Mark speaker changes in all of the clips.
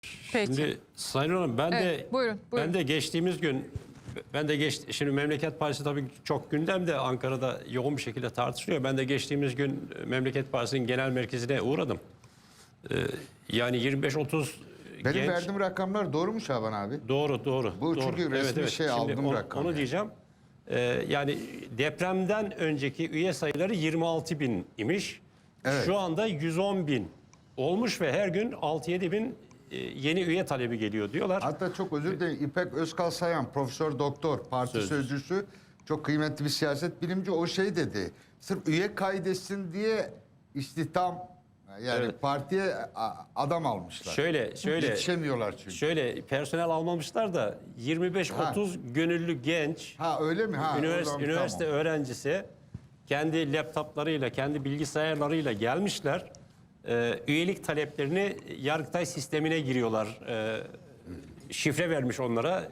Speaker 1: Peki.
Speaker 2: Şimdi Sayın Hanım
Speaker 1: Buyurun.
Speaker 2: ben de geçtiğimiz gün şimdi Memleket Partisi tabii çok gündemde, Ankara'da yoğun bir şekilde tartışılıyor. Ben de geçtiğimiz gün Memleket Partisi'nin genel merkezine uğradım. Yani 25-30
Speaker 3: Benim
Speaker 2: genç.
Speaker 3: verdiğim rakamlar doğru mu Şaban abi?
Speaker 2: Doğru.
Speaker 3: Bu çünkü resmi şey
Speaker 2: Şimdi
Speaker 3: aldığım rakam.
Speaker 2: Onu diyeceğim. Yani depremden önceki üye sayıları 26 bin imiş.
Speaker 3: Evet.
Speaker 2: Şu anda 110 bin olmuş ve her gün 6-7 bin yeni üye talebi geliyor diyorlar.
Speaker 3: Hatta çok özür dilerim, İpek Özkal Sayan, profesör doktor, parti sözcüsü, çok kıymetli bir siyaset bilimci, o şey dedi. Sırf üye kaydetsin diye istihdam, yani
Speaker 2: Evet.
Speaker 3: partiye adam almışlar.
Speaker 2: Şöyle
Speaker 3: Yetişemiyorlar çünkü.
Speaker 2: Şöyle personel almamışlar da 25-30 gönüllü genç
Speaker 3: Öyle mi?
Speaker 2: üniversite öğrencisi kendi laptoplarıyla, kendi bilgisayarlarıyla gelmişler. Üyelik taleplerini Yargıtay sistemine giriyorlar. Şifre vermiş onlara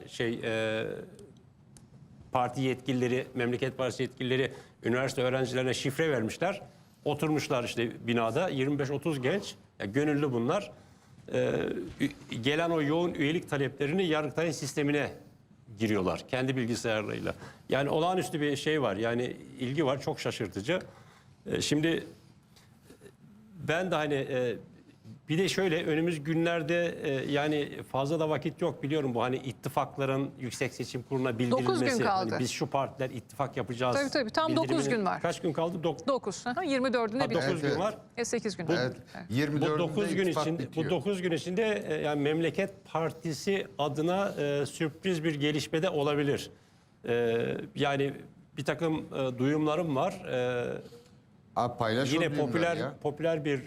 Speaker 2: parti yetkilileri, Memleket Partisi yetkilileri üniversite öğrencilerine şifre vermişler. Oturmuşlar işte binada 25-30 genç, gönüllü bunlar. Gelen o yoğun üyelik taleplerini Yargıtay'ın sistemine giriyorlar kendi bilgisayarlarıyla. Yani olağanüstü bir şey var. Yani ilgi var, çok şaşırtıcı. Şimdi ben de hani bir de şöyle önümüz günlerde yani fazla da vakit yok, biliyorum bu hani ittifakların Yüksek Seçim Kurulu'na bildirilmesi.
Speaker 1: 9 gün kaldı.
Speaker 2: Hani biz şu partiler ittifak yapacağız.
Speaker 1: Tabii tam 9 gün var.
Speaker 2: Kaç gün kaldı?
Speaker 1: 9. 24'ünde
Speaker 2: 9 gün var.
Speaker 1: 8 gün.
Speaker 3: Evet.
Speaker 2: Bu
Speaker 3: 24'ünde
Speaker 2: 9 gün
Speaker 3: ittifak
Speaker 2: içinde,
Speaker 3: bitiyor.
Speaker 2: bu 9 gün içinde yani Memleket Partisi adına sürpriz bir gelişme de olabilir. Yani bir takım duyumlarım var.
Speaker 3: Abi paylaş
Speaker 2: Yine
Speaker 3: o duyumları ya.
Speaker 2: popüler bir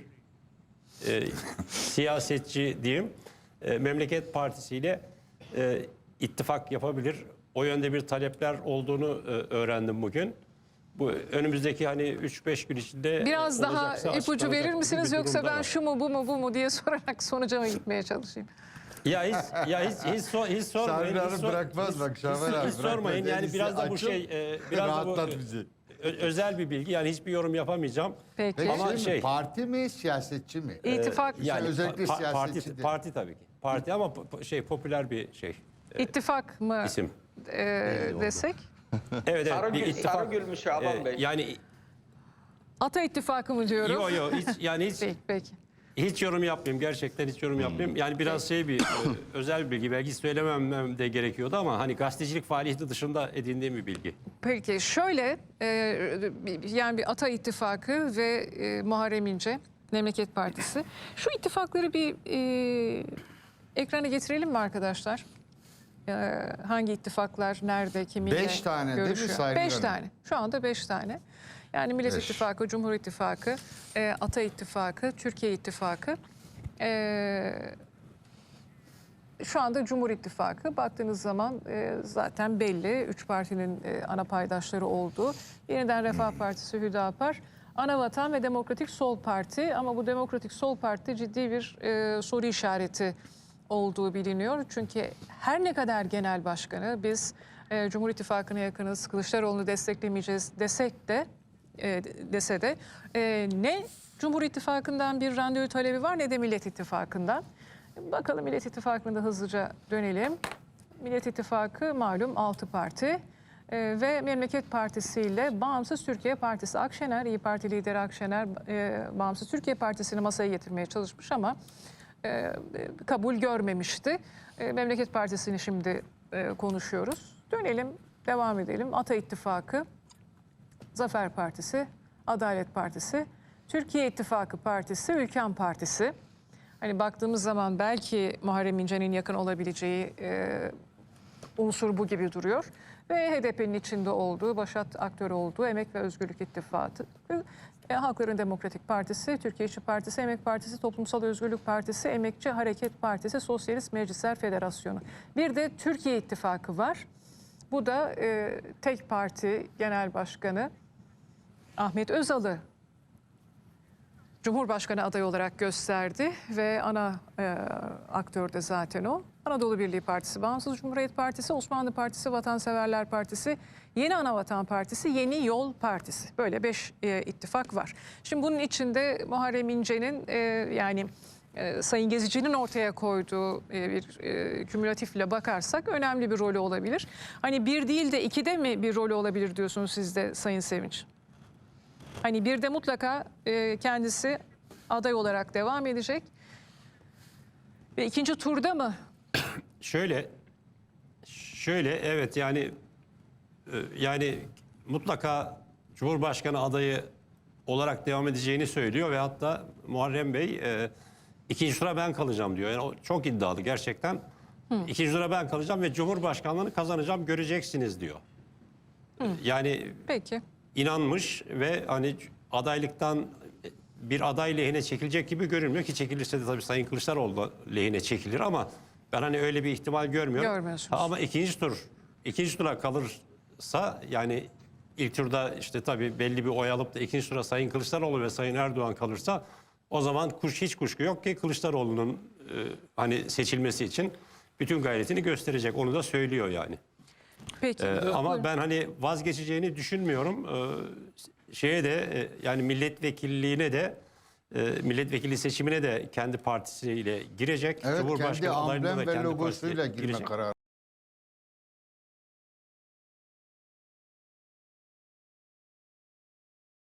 Speaker 2: siyasetçi diyeyim. Memleket Partisi ile ittifak yapabilir. O yönde bir talepler olduğunu öğrendim bugün. Bu önümüzdeki hani 3-5 gün içinde
Speaker 1: Biraz daha
Speaker 2: olacaksa
Speaker 1: ipucu
Speaker 2: açıklanacak
Speaker 1: verir
Speaker 2: gibi
Speaker 1: misiniz,
Speaker 2: bir
Speaker 1: yoksa
Speaker 2: durumda
Speaker 1: ben
Speaker 2: var.
Speaker 1: şu mu bu mu diye sorarak sonuca mı gitmeye çalışayım?
Speaker 2: Hiç sormayın.
Speaker 3: Şaban abi bırakmaz bak, Şaban abi
Speaker 2: Hiç sormayın.
Speaker 3: bırakmaz.
Speaker 2: Yani biraz da bu
Speaker 3: Açıl,
Speaker 2: biraz da
Speaker 3: rahatlat
Speaker 2: bu
Speaker 3: bizi.
Speaker 2: özel bir bilgi. Yani hiçbir yorum yapamayacağım.
Speaker 1: Peki.
Speaker 3: Peki
Speaker 2: Ama
Speaker 3: parti mi, siyasetçi mi?
Speaker 1: İttifak,
Speaker 2: Yani
Speaker 3: özellikle siyasetçi de.
Speaker 2: parti tabii ki. Parti ama popüler bir şey.
Speaker 1: ittifak mı
Speaker 2: İsim.
Speaker 1: desek?
Speaker 2: Evet, bir ittifak.
Speaker 4: Sarıgül mü Şaban Bey?
Speaker 2: Yani
Speaker 1: Ata ittifakı mı diyorum?
Speaker 2: yok
Speaker 1: Peki.
Speaker 2: hiç yorum yapmayayım, gerçekten hiç yorum yapmayayım. Yani biraz özel bir bilgi, belki söylemem de gerekiyordu ama hani gazetecilik faaliyeti dışında edindiğim bir bilgi.
Speaker 1: Peki şöyle, yani bir Ata ittifakı ve Muharrem İnce, Memleket Partisi. Şu ittifakları bir ekrana getirelim mi arkadaşlar? Hangi ittifaklar nerede, kiminle
Speaker 3: 5 tane değil mi
Speaker 1: görüşüyor?
Speaker 3: Sayın
Speaker 1: 5
Speaker 3: Hanım?
Speaker 1: tane. Şu anda 5 tane. Yani Millet
Speaker 3: 5.
Speaker 1: İttifakı, Cumhur İttifakı, Ata İttifakı, Türkiye İttifakı. Şu anda Cumhur İttifakı baktığınız zaman zaten belli. 3 partinin ana paydaşları olduğu. Yeniden Refah Partisi, Hüdapar, Anavatan ve Demokratik Sol Parti. Ama bu Demokratik Sol Parti ciddi bir soru işareti olduğu biliniyor. Çünkü her ne kadar genel başkanı biz Cumhur İttifakı'na yakınız, Kılıçdaroğlu'nu desteklemeyeceğiz dese de ne Cumhur İttifakı'ndan bir randevu talebi var ne de Millet İttifakı'ndan. Bakalım Millet İttifakı'nda hızlıca dönelim. Millet İttifakı malum 6 parti ve Memleket Partisi ile Bağımsız Türkiye Partisi. Akşener, İYİ Parti lideri Akşener, Bağımsız Türkiye Partisi'ni masaya getirmeye çalışmış ama kabul görmemişti. Memleket Partisi'ni şimdi konuşuyoruz. Dönelim, devam edelim. Ata İttifakı, Zafer Partisi, Adalet Partisi, Türkiye İttifakı Partisi, Ülken Partisi. Hani baktığımız zaman belki Muharrem İnce'nin yakın olabileceği unsur bu gibi duruyor. Ve HDP'nin içinde olduğu, başat aktörü olduğu Emek ve Özgürlük İttifakı, Halkların Demokratik Partisi, Türkiye İşçi Partisi, Emek Partisi, Toplumsal Özgürlük Partisi, Emekçi Hareket Partisi, Sosyalist Meclisler Federasyonu. Bir de Türkiye İttifakı var. Bu da tek parti genel başkanı Ahmet Özal'ı Cumhurbaşkanı adayı olarak gösterdi ve ana aktör de zaten o. Anadolu Birliği Partisi, Bağımsız Cumhuriyet Partisi, Osmanlı Partisi, Vatanseverler Partisi, Yeni Anavatan Partisi, Yeni Yol Partisi. Böyle 5 ittifak var. Şimdi bunun içinde Muharrem İnce'nin yani Sayın Gezici'nin ortaya koyduğu bir kümülatifle bakarsak önemli bir rolü olabilir. Hani bir değil de ikide mi bir rolü olabilir diyorsunuz siz de Sayın Sevinç? Hani bir de mutlaka kendisi aday olarak devam edecek. Ve ikinci turda mı?
Speaker 2: Şöyle evet yani mutlaka Cumhurbaşkanı adayı olarak devam edeceğini söylüyor ve hatta Muharrem Bey ikinci tura ben kalacağım diyor. Yani o çok iddialı gerçekten. İkinci tura ben kalacağım ve Cumhurbaşkanlığını kazanacağım, göreceksiniz diyor. Yani
Speaker 1: Peki.
Speaker 2: inanmış ve hani adaylıktan bir aday lehine çekilecek gibi görünmüyor ki, çekilirse de tabii Sayın Kılıçdaroğlu lehine çekilir ama ben hani öyle bir ihtimal görmüyorum.
Speaker 1: Görmüyorsunuz.
Speaker 2: Ama ikinci tura kalırsa, yani ilk turda işte tabii belli bir oy alıp da ikinci tura Sayın Kılıçdaroğlu ve Sayın Erdoğan kalırsa, o zaman hiç kuşku yok ki Kılıçdaroğlu'nun hani seçilmesi için bütün gayretini gösterecek. Onu da söylüyor yani.
Speaker 1: Peki.
Speaker 2: Ama
Speaker 1: Buyurun.
Speaker 2: ben hani vazgeçeceğini düşünmüyorum. Yani milletvekilliğine de milletvekili seçimine de kendi partisiyle girecek.
Speaker 3: Evet, kendi
Speaker 2: Cumhurbaşkanı adaylığına
Speaker 3: amblem
Speaker 2: da
Speaker 3: ve
Speaker 2: kendi
Speaker 3: logosuyla
Speaker 2: partisiyle
Speaker 3: girme
Speaker 2: girecek.
Speaker 3: kararı.